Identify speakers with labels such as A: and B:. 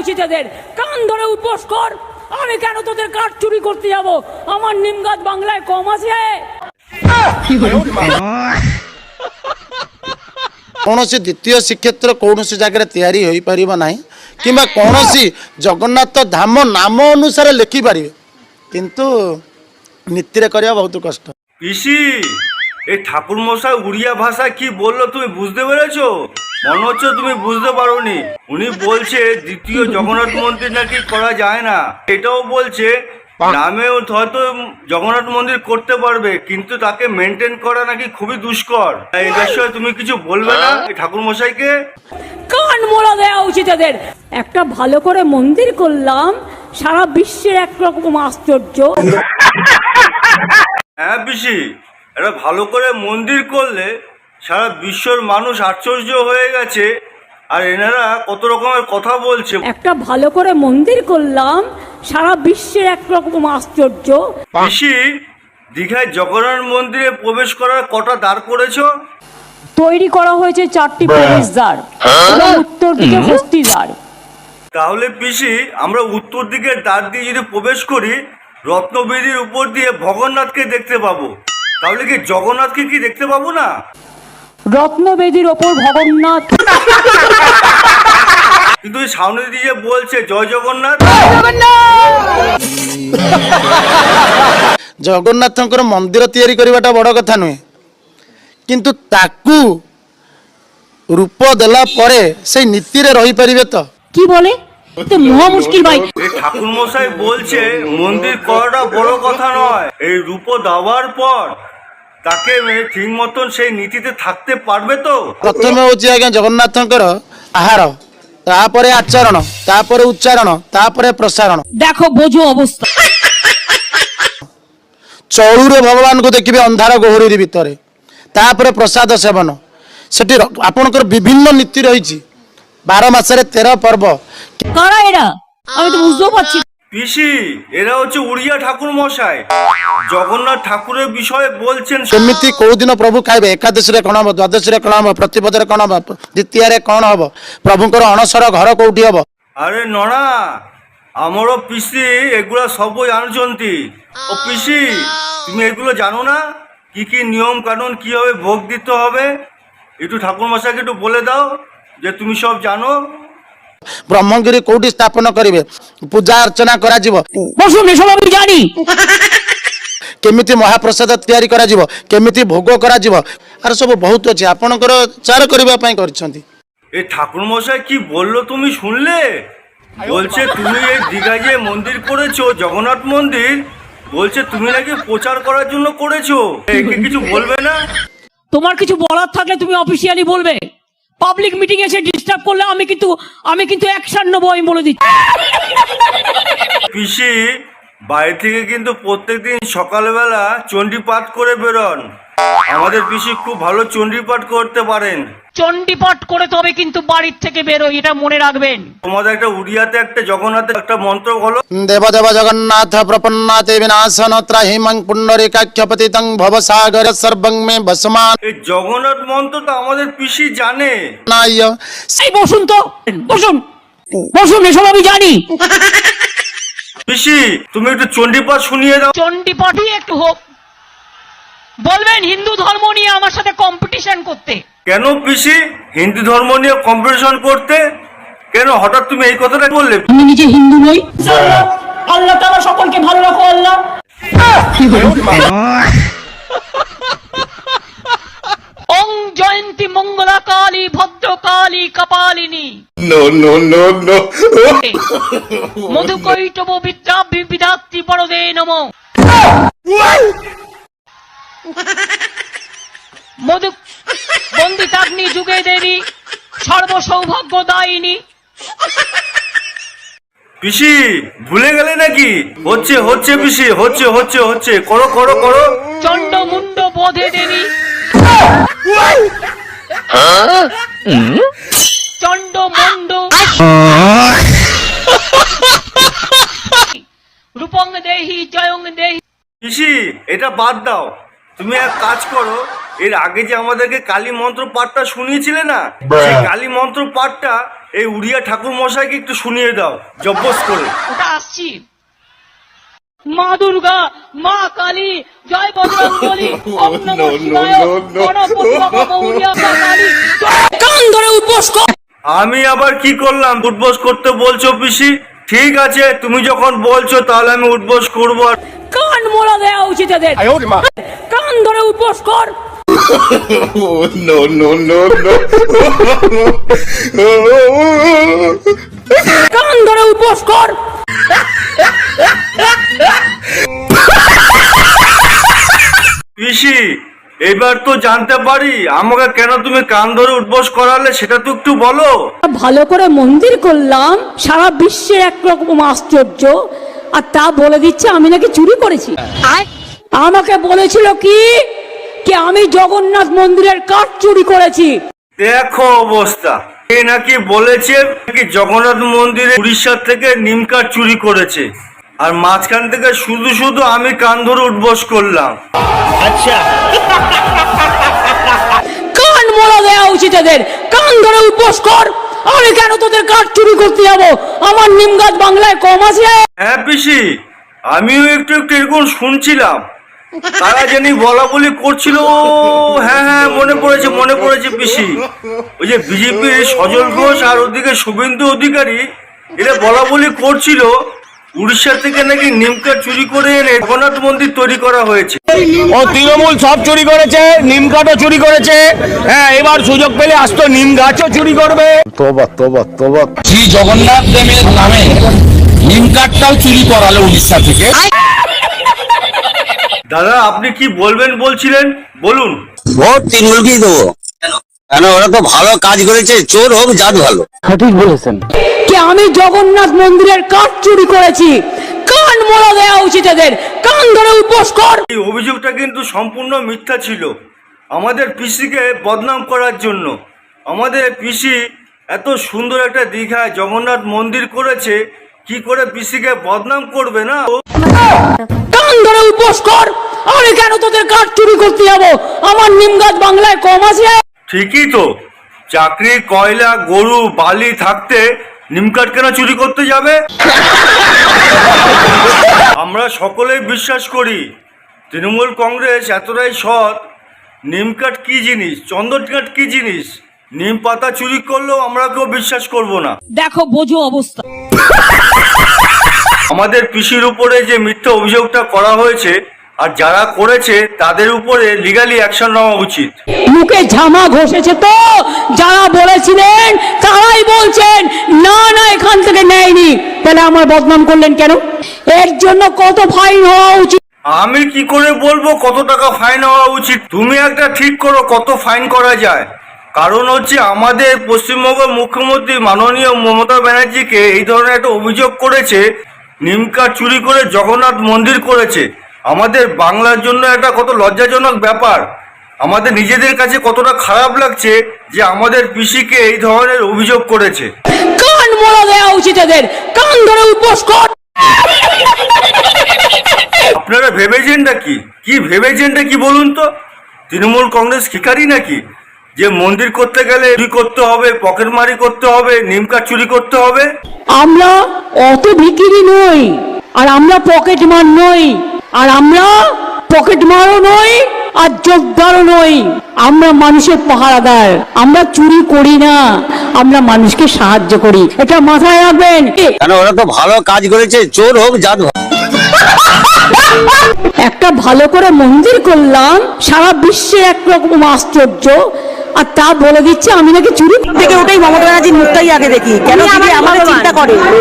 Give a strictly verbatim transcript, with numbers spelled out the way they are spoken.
A: উচিত এদের। কান ধরে উপোস কর। আমি কেন তোদের কাঠ চুরি করতে যাব? আমার নিমগাছ বাংলায় কম আছে?
B: কৌশি দ্বিতীয় শ্রীক্ষেত্র কৌশি জায়গায় তৈরি হয়ে পার না কিংবা কৌশি জগন্নাথ ধাম নাম অনুসারে লেখিপারে কিন্তু নীতিরে করা বহুত কষ্ট।
C: পিসি এই ঠাকুর মশাই উড়িয়া ভাষা কি বললো তুমি বুঝতে পেরেছো? মনে হচ্ছে তুমি বুঝতে পারোনি। উনি বলছে দ্বিতীয় জগন্নাথ মন্দির নাকি করা যায় না, এটাও বলছে নামে হয়তো জগন্নাথ মন্দির করতে পারবে কিন্তু তাকে মেনটেন করা নাকি খুবই দুষ্কর। এই বিষয়ে তুমি কিছু বলবে না এই ঠাকুর মশাইকে?
A: কান মোড়া দেওয়া উচিত এদের। একটা ভালো করে মন্দির করলাম, সারা বিশ্বের একরকম আশ্চর্য।
C: হ্যাঁ পিসি, এটা ভালো করে মন্দির করলে সারা বিশ্বর মানুষ আশ্চর্য হয়ে গেছে। আর এনারা কত রকমের কথা বলছে।
A: একটা ভালো করে মন্দির করলাম, সারা বিশ্বের একরকম আশ্চর্য।
C: পিসি, দীঘায় জগন্নাথ মন্দিরে প্রবেশ করার কটা দ্বার করেছো?
A: তৈরি করা হয়েছে চারটি প্রবেশদ্বার এবং উত্তর দিকে হস্তিদ্বার।
C: তাহলে পিসি, আমরা উত্তর দিকের দ্বার দিয়ে যদি প্রবেশ করি রত্নবেদির উপর দিয়ে ভগন্নাথকে দেখতে পাবো, তাহলে কি জগন্নাথকে কি দেখতে পাবো না?
A: রত্নবেদির ওপর ভগন্নাথ,
C: কিন্তু সামনে দিয়ে বলছে জয় জগন্নাথ।
B: জগন্নাথଙ୍କର ମନ୍ଦିର ତିଆରି କରିବାଟା ବଡ଼ କଥା ନୁହେଁ, କିନ୍ତୁ ତାକୁ ରୂପ ଦେଲା ପରେ সেই ନୀତିରେ ରହିପାରିବେ ତ?
A: কি বলে? তো মহা মুশকিল ভাই।
C: এই ঠাকুর মশাই বলছে মন্দির করাটা বড় কথা নয়, এই রূপ দেওয়ার পর তাকে ঠিক মতন সেই নীতিতে থাকতে পারবে তো?
B: ପ୍ରଥମେ ହେଉଛି ଆଜ୍ଞା ଜଗନ୍ନାଥଙ୍କର ଆହାର, ତାପରେ ଆଚରଣ, ତାପରେ ଉଚ୍ଚାରଣ, ତାପରେ ପ୍ରସାରଣ।
A: দেখো বোঝো অবস্থা।
B: ଚଳୁରେ ଭଗବାନଙ୍କୁ ଦେଖିବେ ଅନ୍ଧାର ଗୋହରି ଭିତରେ, ତାପରେ ପ୍ରସାଦ ସେବନ। ସେଠି ଆପଣଙ୍କର ବିଭିନ୍ନ ନୀତି ରହିଛି, ବାର ମାସରେ ତେର ପର୍ବ।
A: কারা এরা? আমি তো বুঝতেও পারছি।
C: পিসি, এরা হচ্ছে উড়িয়া ঠাকুর মশাই, জগন্নাথ ঠাকুরের বিষয়ে বলছেন।
B: କେମିତି କୋଉ ଦିନ ପ୍ରଭୁ ଖାଇବେ, ଏକାଦଶୀରେ କ'ଣ ହବ, ଦ୍ୱାଦଶୀରେ କ'ଣ ହବ, ପ୍ରତିପଦରେ କ'ଣ ହବ, ଦ୍ୱିତୀୟରେ କ'ଣ ହବ, ପ୍ରଭୁଙ୍କର ଅଣସର ଘର କୋଉଠି ହବ।
C: আরে নড়া, আমারও পিসি এগুলা সব জানছন্তি। ও পিসি, তুমি এগুলো জানো না? কি কি নিয়ম কানুন কিভাবে ভোগ দিতে হবে একটু ঠাকুর মশাইকে একটু বলে দাও যে তুমি সব জানো।
B: ବ୍ରହ୍ମଗିରି କୋଉଠି ସ୍ଥାପନ କରିବେ, ପୂଜା ଅର୍ଚ୍ଚନା କରାଯିବ,
A: বসুন, এসব আমি জানি।
B: କେମିତି ମହାପ୍ରସାଦ ତିଆରି କରାଯିବ, କେମିତି ଭୋଗ କରାଯିବ, ଆର ସବୁ ବହୁତ ଅଛି, ଆପଣଙ୍କର ଚାର କରିବା ପାଇଁ କରିଛନ୍ତି।
C: এই ঠাকুর মশাই কি বললো তুমি শুনলে? বলছে তুমি এই দীঘায় যে মন্দির করেছো জগন্নাথ মন্দির, বলছে তুমি নাকি প্রচার করার জন্য করেছো। একে কিছু বলবে না?
A: তোমার কিছু বলার থাকলে তুমি অফিসিয়ালি বলবে। পাবলিক মিটিং এসে ডিস্টার্ব করলে আমি কিন্তু আমি কিন্তু অ্যাকশন নেবো, আমি বলে দিচ্ছি।
C: পিসি, বাড়ি থেকে কিন্তু প্রত্যেকদিন সকালবেলা চণ্ডী পাঠ করে বেরোন। আমাদের পিসি খুব ভালো চণ্ডী পাঠ করতে পারেন।
A: চণ্ডীপাঠ করে তবে কিন্তু বাড়ির থেকে বেরোই, এটা মনে রাখবেন।
C: তোমাদের একটা উড়িয়াতে একটা জগন্নাথের একটা মন্ত্র বলো।
B: দেব দেব জগন্নাথ প্রপন্নাতে বিনাশন ত্রাহিমং পুণ্ডরিকাক্ষপতিতং ভবসাগর সর্বং মে বসমান।
C: এই জগন্নাথ মন্ত্রটা আমাদের পিসি জানে।
B: নায়
A: এই বসুন তো, বসুন বসুন, এসব আমি জানি।
C: পিসি, তুমি একটু চণ্ডী পাঠ শুনিয়ে দাও।
A: চণ্ডীপাঠই একটু হোক। বলবেন হিন্দু ধর্ম নিয়ে আমার সাথে কম্পিটিশন করতে।
C: কেন পিসি হিন্দু ধর্ম নিয়ে কম্পিটিশন করতে? কেন হঠাৎ তুমি এই কথাটা বললে?
A: আমি নিজে হিন্দু নই। আল্লাহ তাআলা সকলকে ভালো রাখো। আল্লাহ। ওং Jayanti Mangala Kali Bhadrakali Kapalini.
C: No no no no.
A: মধুকৈটব বিদ্যা বিবিধাত্রি বরদে নমো। মধু বন্দিতাগ্নি যুগে দেবী সর্বসৌভাগ্যদায়িনী।
C: পিসি ভুলে গেলে নাকি? হচ্ছে হচ্ছে পিসি, হচ্ছে হচ্ছে হচ্ছে, করো করো করো।
A: চণ্ড মুন্ড বোধে দেবী। চণ্ড মুন্ড রূপং দেহি জয়ং দেহি।
C: পিসি এটা বাদ দাও, তুমি এক কাজ করো, এর আগে যে আমাদেরকে কালী মন্ত্র পাঠটা শুনিয়েছিলে না, সেই কালী মন্ত্র পাঠটা এই উড়িয়া ঠাকুর মশাইকে একটু শুনিয়ে দাও জব্বস করে।
A: ওটা আসছি। মা দুর্গা, মা কালী, জয় বজরংবলী, ওম নমঃ শিবায়, গণপতি বাবা গৌরিয়া মা কালী। কান ধরে উদ্বোস কর।
C: আমি আবার কি করলাম? উঠবোস করতে বলছো পিসি? ঠিক আছে, তুমি যখন বলছো তাহলে আমি উঠবোস করবো। আর
A: কান মোড়া দেওয়া উচিত এদের। কান ধরে উদ্বোস কর।
D: Oh, no, no, no, no.
A: কান ধরে উদ্বোস কর।
C: পিসি, এবার তো জানতে পারি আমাকে কেন তুমি কান ধরে উঠবোস করালে, সেটা তো একটু বলো।
A: ভালো করে মন্দির করলাম, সারা বিশ্বের একরকম আশ্চর্য, আর তা বলে দিচ্ছে আমি নাকি চুরি করেছি। আমাকে বলেছিল কি কি আমি জগন্নাথ মন্দিরের কাঠ চুরি করেছি।
C: দেখো অবস্থা, এ নাকি বলেছে নাকি জগন্নাথ মন্দিরে উড়িষ্যা থেকে নিম কাঠ চুরি করেছে, আর মাঝখান থেকে শুধু শুধু আমি কান ধরে উঠবোস করলাম। আচ্ছা,
A: কান মোড়া দেওয়া উচিত এদের। কান ধরে উদ্বোস কর। আমি কেন তোদের কাঠ চুরি করতে যাবো? আমার নিম গাছ বাংলায় কম আছে।
C: হ্যাঁ পিসি, আমিও একটু একটু এরকম শুনছিলাম, তারা জানি বলা বলি করছিল। হ্যাঁ হ্যাঁ, মনে পড়েছে মনে পড়েছে পিসি, ওই যে বিজেপির সজল ঘোষ আর ওদিকে শুভেন্দু অধিকারী, এরা বলা বলি করছিল উড়িষ্যা থেকে নাকি নিম কাঠ চুরি করে এনে জগন্নাথ মন্দির তৈরি করা হয়েছে।
E: ও তৃণমূল সব চুরি করেছে, নিম কাঠও চুরি করেছে। হ্যাঁ, এবার সুযোগ পেলে আস্ত নিম গাছও চুরি করবে।
D: তোবা তোবা তোবা।
F: শ্রী জগন্নাথ দেবের নামে নিম কাঠটাও চুরি করালো উড়িষ্যা থেকে।
C: দাদা, আপনি কি বলবেন বলছিলেন, বলুন।
G: ভোট তৃণমূলকেই দেবো। কেন? ওরা তো ভালো কাজ করেছে, চোর হোক জাত ভালো।
A: কি আমি জগন্নাথ মন্দিরের কাঠ চুরি করেছি। কান মোড়া দেওয়া উচিত এদের। কান ধরে উদ্বোস কর।
C: এই অভিযোগটা কিন্তু সম্পূর্ণ মিথ্যা ছিল, আমাদের পিসিকে বদনাম করার জন্য। আমাদের পিসি এত সুন্দর একটা দীঘায় জগন্নাথ মন্দির করেছে, কি করে পিসিকে বদনাম করবে না?
A: কান ধরে উদ্বোস কর। আমি কেন তোদের কাঠ চুরি করতে যাবো? আমার নিম গাছ বাংলায় কম আছে।
C: ঠিকই তো, চাকরি, কয়লা, গরু, বালি থাকতে নিম কাঠ কেন চুরি করতে যাবে? আমরা সকলেই বিশ্বাস করি তৃণমূল কংগ্রেস এতটাই সৎ। নিম কাঠ কি জিনিস, চন্দন কাঠ কি জিনিস, নিম পাতা চুরি করলেও আমরা কেউ বিশ্বাস করব না।
A: দেখো বোঝো অবস্থা।
C: আমাদের পিসির উপরে যে মিথ্যা অভিযোগটা করা হয়েছে, আর যারা করেছে তাদের উপরে লিগালি অ্যাকশন নেওয়া উচিত।
A: মুখে ঝামা ঘষেছে তো, যারা বলেছিলেন তারাই বলছেন না না এখান থেকে নেয়নি, তাহলে আমার বদনাম করলেন কেন? এর জন্য কত ফাইন হওয়া উচিত?
C: আমি কি করে বলবো কত টাকা ফাইন হওয়া উচিত? তুমি একটা ঠিক করো কত ফাইন করা যায়। কারণ হচ্ছে আমাদের পশ্চিমবঙ্গের মুখ্যমন্ত্রী মাননীয় মমতা ব্যানার্জিকে এই ধরনের একটা অভিযোগ করেছে, নিম কাঠ চুরি করে জগন্নাথ মন্দির করেছে। আমাদের বাংলার জন্য একটা কত লজ্জাজনক ব্যাপার। আমাদের নিজেদের কাছে কতটা খারাপ লাগছে যে আমাদের পিসিকে এই ধরনের অভিযোগ করেছে।
A: কান মোড়া দেওয়া উচিত এদের। কান ধরে উদ্বোস কর।
C: আপনারা ভেবেছেনটা কি কি ভেবেছেনটা কি বলুন তো? তৃণমূল কংগ্রেস শিকারী নাকি যে মন্দির করতে গেলে চুরি করতে হবে, পকেটমারি করতে হবে, নিম কাঠ চুরি করতে হবে?
A: আমরা অত ভিকিরি নই, আর আমরা পকেট মার নই, আর আমরা পকেট মারও নই, আর যোগদারও নই। আমরা মানুষের পাহারাদার। আমরা চুরি করি না, আমরা মানুষকে সাহায্য করি। এটা মাথায় রাখবেন।
G: কেন? ওরা তো ভালো কাজ করেছে, চোর হোক জাত ভালো।
A: একটা ভালো করে মন্দির করলাম, সারা বিশ্বের একরকম আশ্চর্য, আর তা বলে দিচ্ছে আমি নাকি চুরি।
H: থেকে ওটাই মমতা ব্যানার্জির মুখটাই আগে দেখি, কেন আমাদের চিন্তা করে।